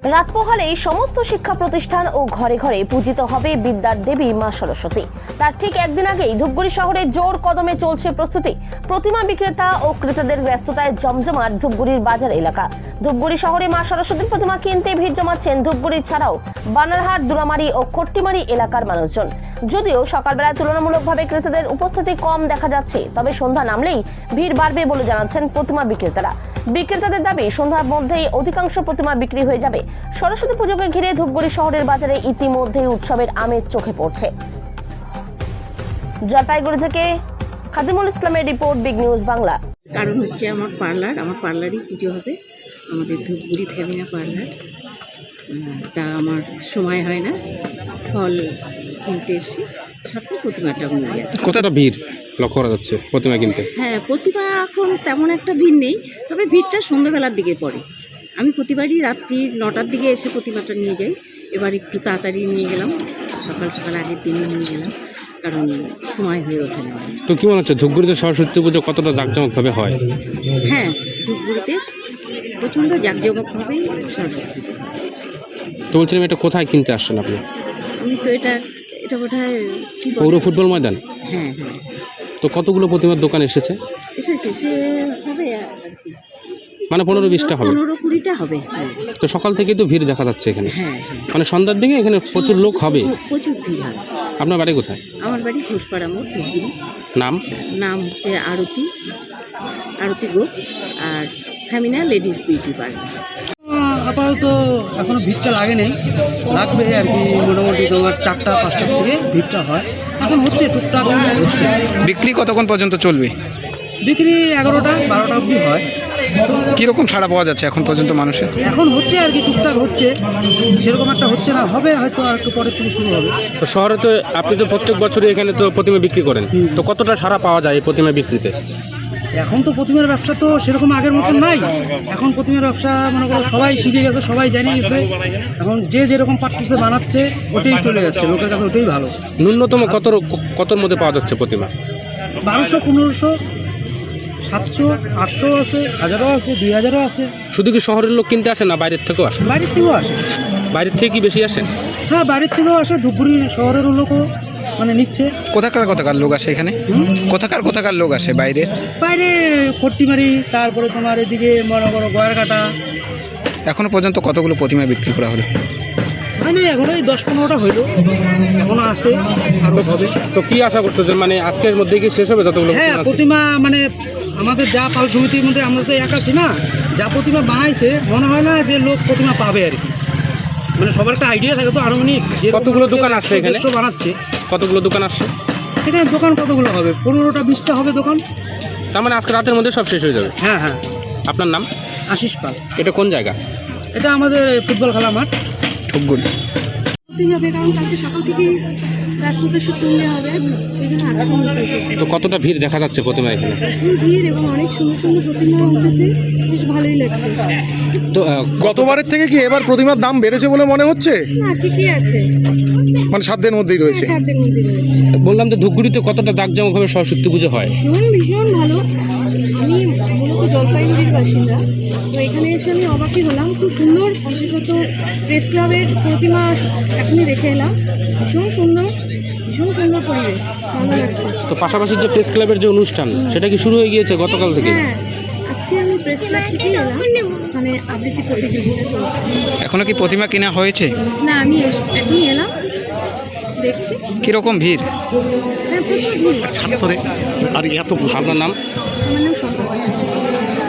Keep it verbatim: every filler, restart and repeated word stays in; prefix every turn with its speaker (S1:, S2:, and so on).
S1: রাত পোহালেই সমস্ত শিক্ষা প্রতিষ্ঠান ও ঘরে ঘরে পূজিত হবে বিদ্যার দেবী মা সরস্বতী। তার ঠিক একদিন আগেই ধূপগুড়ি শহরে জোর কদমে চলছে প্রস্তুতি। প্রতিমা বিক্রেতা ও ক্রেতাদের ব্যস্ততায় জমজমাট ধূপগুড়ির বাজার এলাকা। ধূপগুড়ি শহরে মা সরস্বতীর প্রতিমা কিনতে ভিড় জমাচ্ছেন ধূপগুড়ি ছাড়াও বানারহাট, দুরামারি ও খট্টিমারি এলাকার মানুষজন। যদিও সকালবেলায় তুলনামূলকভাবে ক্রেতাদের উপস্থিতি কম দেখা যাচ্ছে, তবে সন্ধ্যা নামলেই ভিড় বাড়বে বলে জানাচ্ছেন প্রতিমা বিক্রেতারা। বিক্রেতাদের দাবি, সন্ধ্যার মধ্যেই অধিকাংশ প্রতিমা বিক্রি হয়ে যাবে। সরস্বতী পুজোকে ঘিরে ধূপগুড়ি শহরের বাজারে ইতিমধ্যেই উৎসবের আমেজ চোখে পড়ছে। জলপাইগুড়ি থেকে খাদিমুল ইসলামের রিপোর্ট, বিগ নিউজ বাংলা।
S2: কারণ হচ্ছে আমার পার্লার, আমার পার্লারই পুজো হবে, আমাদের ধূপগুড়ি ফেমিনা পার্লার। তা আমার সময় হয় না, ফল কিনতে এসেছি, সাথে প্রতিমাটাও নিয়ে যাচ্ছে।
S3: কতটা ভিড় লক্ষ্য করা যাচ্ছে প্রতিমা কিনতে?
S2: হ্যাঁ, প্রতিমা এখন তেমন একটা ভিড় নেই, তবে ভিড়টা সন্ধ্যাবেলার দিকে পড়ে। আমি প্রতিবারই রাত্রি নটার দিকে এসে প্রতিমাটা নিয়ে যাই। এবার একটু তাড়াতাড়ি নিয়ে গেলাম, সকাল সকাল আগের দিনে নিয়ে গেলাম, কারণ সময় হয়ে ওঠে না।
S3: তো কি মনে হচ্ছে ধূপগুড়িতে সরস্বতী পুজো কতটা জাঁকজমকভাবে হয়?
S2: হ্যাঁ, ধূপগুড়িতে প্রচণ্ড জাঁকজমকভাবেই সরস্বতী পুজো হয়।
S3: তো বলছিলাম, এটা কোথায় কিনতে আসছেন আপনি?
S2: আমি তো এটা এটা বোধহয় কি বলে?
S3: পৌর ফুটবল ময়দান।
S2: হ্যাঁ হ্যাঁ,
S3: তো কতগুলো প্রতিমার দোকান এসেছে?
S2: এসেছে, সে হবে আর কি,
S3: মানে পনেরো বিশটা হবে,
S2: পনেরো কুড়িটা হবে।
S3: তো সকাল থেকেই তো ভিড় দেখা যাচ্ছে এখানে।
S2: হ্যাঁ হ্যাঁ,
S3: মানে সন্ধ্যার দিকে এখানে প্রচুর লোক হবে।
S2: প্রচুর ভিড় হয়।
S3: আপনার বাড়ি কোথায়?
S2: আমার বাড়ি ঘোষপাড়া মোড়, ধূপগুড়ি।
S3: নাম?
S2: নাম হচ্ছে আরতি, আরতি গো, আর ফ্যামিনা লেডিস বিউটি পার্লার।
S4: আপাতত এখনো ভিড়টা লাগে নেই, লাগবে আর কি। মোটামুটি তোমার চারটা পাঁচটার থেকে ভিড়টা হয়, এখন হচ্ছে টুকটাক হচ্ছে।
S5: বিক্রি কতক্ষণ পর্যন্ত চলবে?
S4: বিক্রি এগারোটা বারোটা অবধি হয়।
S5: কীরকম সাড়া পাওয়া যাচ্ছে এখন পর্যন্ত মানুষের?
S4: এখন হচ্ছে আর কি, টুকটাক হচ্ছে, সেরকম একটা হচ্ছে না, হবে হয়তো আর একটু পরের থেকে শুরু হবে।
S3: তো শহরে তো আপনি তো প্রত্যেক বছরই এখানে তো প্রতিমা বিক্রি করেন, তো কতটা সাড়া পাওয়া যায় এই প্রতিমা বিক্রিতে?
S4: এখন তো প্রতিমার ব্যবসা তো সেরকম আগের মতো নাই। এখন প্রতিমার ব্যবসা মনে করো সবাই শিখে গেছে, সবাই জানে গেছে। এখন যে যেরকম পারতেছে বানাচ্ছে, ওটাই চলে যাচ্ছে, লোকের কাছে ওটাই ভালো।
S3: ন্যূনতম কত কতর মধ্যে পাওয়া যাচ্ছে প্রতিমা?
S4: বারোশো, পনেরোশো, সাতশো, আটশো আছে, হাজারও আছে, দুই হাজারও আছে।
S3: শুধু কি শহরের লোক কিনতে আসে না বাইরের থেকেও আসে?
S4: বাইরের থেকেও আসে।
S3: বাইরের থেকে কি বেশি আসেন?
S4: হ্যাঁ, বাইরের থেকেও আসে, ধূপগুড়ি শহরেরও লোকও মানে নিচ্ছে।
S5: কোথাকার কোথাকার লোক আসে এখানে? কোথাকার কোথাকার লোক আসে বাইরে?
S4: বাইরে খট্টিমারি, তারপরে তোমার এদিকে মনে করো গয়ারঘাটা।
S5: এখনো পর্যন্ত কতগুলো প্রতিমা বিক্রি করা হলো?
S4: মানে এখন ওই দশ পনেরোটা হইলো, এখনো আছে, আরও হবে।
S3: তো কি আশা করছো যে মানে আজকের মধ্যে কি শেষ হবে যতগুলো
S4: হ্যাঁ,
S3: প্রতিমা আছে?
S4: প্রতিমা মানে আমাদের যা পাল সমিতির মধ্যে আমরা তো এক আছি না, যা প্রতিমা বানাইছে মনে হয় না যে লোক প্রতিমা পাবে আর কি। মানে সবার একটা আইডিয়া থাকে তো আনুমানিক যে
S3: কতগুলো দোকান আসছে এখানে?
S4: বানাচ্ছে।
S3: কতগুলো দোকান আসছে
S4: এখানে? দোকান কতগুলো হবে? পনেরোটা বিশটা হবে দোকান।
S3: তার মানে আজকে রাতের মধ্যে সব শেষ হয়ে যাবে?
S4: হ্যাঁ হ্যাঁ।
S3: আপনার নাম?
S4: আশিস পাল।
S3: এটা কোন জায়গা?
S4: এটা আমাদের ফুটবল খেলা মাঠ,
S5: ধূপগুড়ি।
S6: হবে, কারণ কালকে সকাল থেকেই ব্যস্ততা তুললে হবে, সেই জন্য আজকে নিতে এসেছি।
S3: তো কতটা ভিড় দেখা যাচ্ছে প্রতিমা এখানে?
S6: প্রচুর ভিড় এবং অনেক সুন্দর সুন্দর প্রতিমা উঠেছে, বেশ ভালোই লাগছে।
S3: তো আহ,
S7: গতবারের থেকে কি এবার প্রতিমার দাম বেড়েছে বলে মনে হচ্ছে?
S6: না, ঠিকই আছে,
S7: মানে সাধ্যের মধ্যেই রয়েছে।
S6: হ্যাঁ, সাধ্যের মধ্যে রয়েছে।
S3: বললাম যে ধূপগুড়িতে কতটা জাঁকজমকভাবে সরস্বতী পুজো হয়?
S6: ভীষণ ভীষণ ভালো। আমি মূলত জলপাইগুড়ির বাসিন্দা, তো এখানে এসে আমি অবাকই হলাম। খুব সুন্দর, বিশেষত প্রেস ক্লাবের প্রতিমা এখনই দেখে এলাম, ভীষণ সুন্দর, ভীষণ সুন্দর পরিবেশ, ভালো লাগছে।
S3: তো পাশাপাশি যে প্রেস ক্লাবের যে অনুষ্ঠান, সেটা কি শুরু হয়ে গিয়েছে গতকাল থেকে?
S6: হ্যাঁ, আজকে আমি প্রেস ক্লাব থেকে এলাম, ওখানে আবৃত্তি প্রতিযোগিতা চলছে।
S5: এখনো কি প্রতিমা কেনা হয়েছে?
S6: না, আমি এখনই এলাম, দেখছি।
S5: কীরকম ভিড়?
S6: হ্যাঁ, প্রচুর ভিড়।
S7: আর এত
S3: আপনার নাম?
S6: আমার নাম সন্ধ্যা।